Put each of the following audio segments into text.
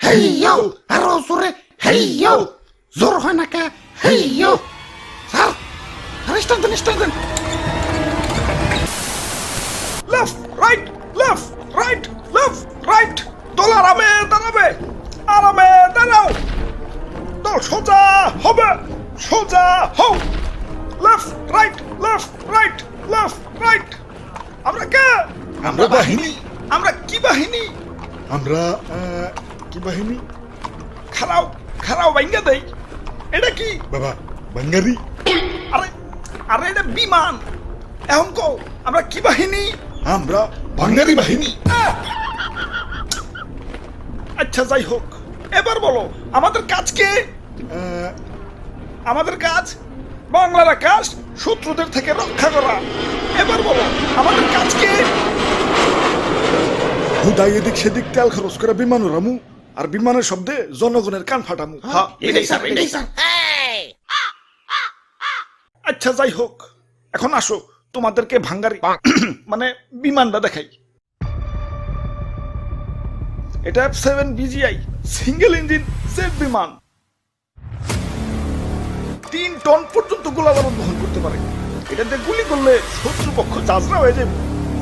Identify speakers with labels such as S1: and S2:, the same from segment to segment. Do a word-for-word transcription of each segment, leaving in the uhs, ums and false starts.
S1: হেইয়ো আরো জোরে হেইয়ো জোর হয় না কে হেইয়ো স্যার আরে স্টার্ট দেন স্টার্ট দেন
S2: left right left right left right দল আরামে দাঁড়াবে আরামে দাঁড়াও দল সোজা হবে সোজা হও left right left right left right আমরা কে
S3: আমরা বাহিনী
S2: আমরা কি বাহিনী
S3: আমরা আহ, কি বাহিনী
S2: খারাও খারাও ভাঙ্গা দেই এটা কি
S3: বাবা বাঙ্গারি
S2: আরে আরে এটা বিমান এখন কও আমরা কি বাহিনী
S3: আমরা বাঙ্গারি বাহিনী
S2: আচ্ছা যাই হোক এবার বলো আমাদের কাজ কি
S3: আহ,
S2: আমাদের কাজ বাংলার আকাশ শত্রুদের থেকে রক্ষা করা এবার বলো আমাদের কাজ কি
S3: হুদাই এদিক সেদিক তেল খরচ করে বিমান উড়ামু আর বিমানের শব্দে জনগণের কান ফাটামু
S2: হ্যাঁ,
S1: এটাই স্যার এটাই স্যার
S2: আচ্ছা যাই হোক এখন আসো তোমাদেরকে ভাঙ্গারি মানে বিমানটা দেখাই এটা F seven BGI single engine jet বিমান তিন টন পর্যন্ত গোলাবারুদ বহন করতে পারে এটাতে গুলি করলে শত্রুপক্ষ চাজরা হয়ে যাবে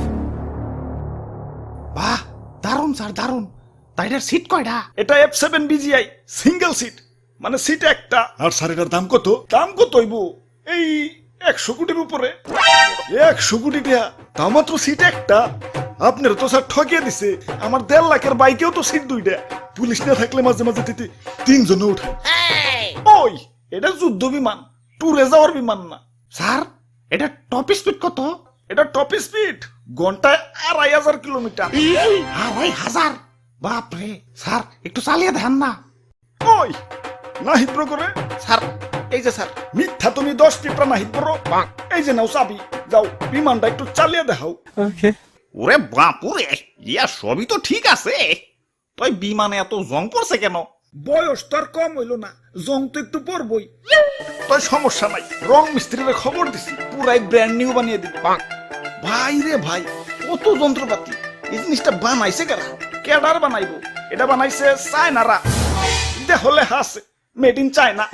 S1: বাহ দারুন স্যার দারুন তাইটার সিট কয়টা
S2: এটা F seven BGI single seat মানে সিট একটা
S3: আর স্যার এটার দাম কত
S2: দাম কত হইব এই একশো কোটির উপরে
S3: একশো কোটি টাকা তাও মাত্র সিট একটা আপনার তো স্যার ঠকিয়ে দিছে আমার দেড় লাখের বাইকেও তো সিট দুইটা পুলিশ না থাকলে মাঝে মাঝে তিতে তিনজনে উঠে
S2: ওই এটা যুদ্ধ বিমান ট্যুরে যাওয়ার বিমান না
S1: স্যার এটা টপ স্পিড কত
S2: এটা টপ স্পিড ঘন্টায় আড়াই হাজার কিলোমিটার
S1: আড়াই হাজার বাপরে স্যার একটু চালিয়ে দেন না
S2: ওই না হিব্র করে
S1: স্যার এই যে স্যার
S2: মিথ্যা তুমি দশ টিপটা না হিব্র এই যে নাও চাবি যাও বিমানটা একটু চালিয়ে দেখাও
S4: ওরে বাপুরে ইয়া সবই তো ঠিক আছে তাই বিমানে এত জং পড়ছে কেন
S2: বয়স তো আর কম হইল না জং তো একটু পরবই তাই সমস্যা নাই রং মিস্ত্রির খবর দিছি পুরাই ব্র্যান্ড নিউ বানিয়ে দিবে ভাই রে ভাই কত যন্ত্রপাতি এই জিনিসটা বানাইছে কারা কেডার বানাইবো এটা বানাইছে চায়নারা দেহলে হাসে made in China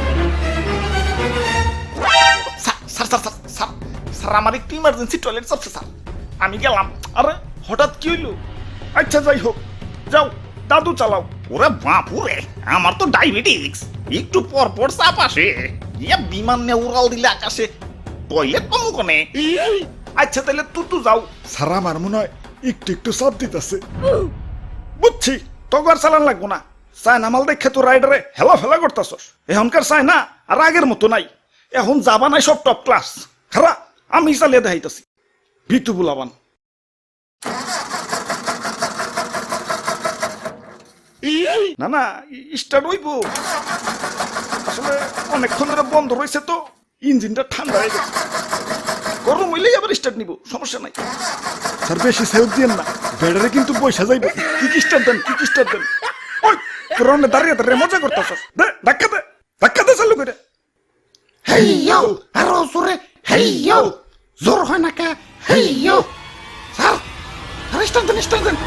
S2: sir sir sir sir sir sir আমার একটু ইমার্জেন্সি টয়লেট চাপছে স্যার আমি গেলাম আরে হঠাৎ কি হইলো আচ্ছা যাই হোক যাও দাদু চালাও
S4: ওরে বাপুরে আমার তো ডায়াবেটিক্স একটু পর পর চাপ আসে ইয়া বিমান নিয়ে উড়াল দিলে আকাশে টয়লেট পাবো কোনে
S2: আচ্ছা তাহলে তুতু যাও
S3: স্যার আমার মনে হয় একটু একটু চাপ দিতেছে
S2: বুঝছি তোকে আর চালান লাগবো না চায়না মাল দেখে তো রাইডারে হেলা ফেলা করতেছস এখনকার চায়না আর আগের মতো নাই এখন যাবা নাই সব টপ ক্লাস খারা আমি চালিয়ে দেখাইতেছি ভিতু বুলাবান না না স্টার্ট হইব আসলে অনেকক্ষণ ধরে বন্ধ রয়েছে তো ইঞ্জিনটা ঠান্ডা হয়ে গেছে গরম হইলেই আবার স্টার্ট নিব সমস্যা নাই
S3: স্যার বেশি সেভ দিয়েন না ব্যাটারি কিন্তু পয়সা যাইবে
S2: কি কি স্টার্ট দেন কি কি স্টার্ট দেন ওই পুরনো দাঁড়িয়ে দাঁড়িয়ে মজা করতেছস দে ধাক্কা দে ধাক্কা দে চালু করে
S1: হেইয়ো আরো জোরে হেইয়ো জোর হয় না কে হেইয়ো স্যার আরে স্টার্ট দেন স্টার্ট দেন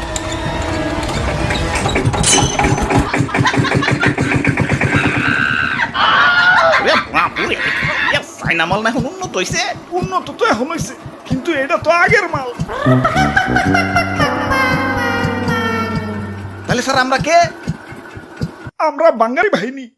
S4: ওরে বাপুরে ইয়া চাইনা মাল না এখন উন্নত হইছে
S2: উন্নত তো এখন হয়েছে কিন্তু এটা তো আগের মাল
S4: তাহলে স্যার আমরা কে
S2: আমরা বাঙালি বাহিনী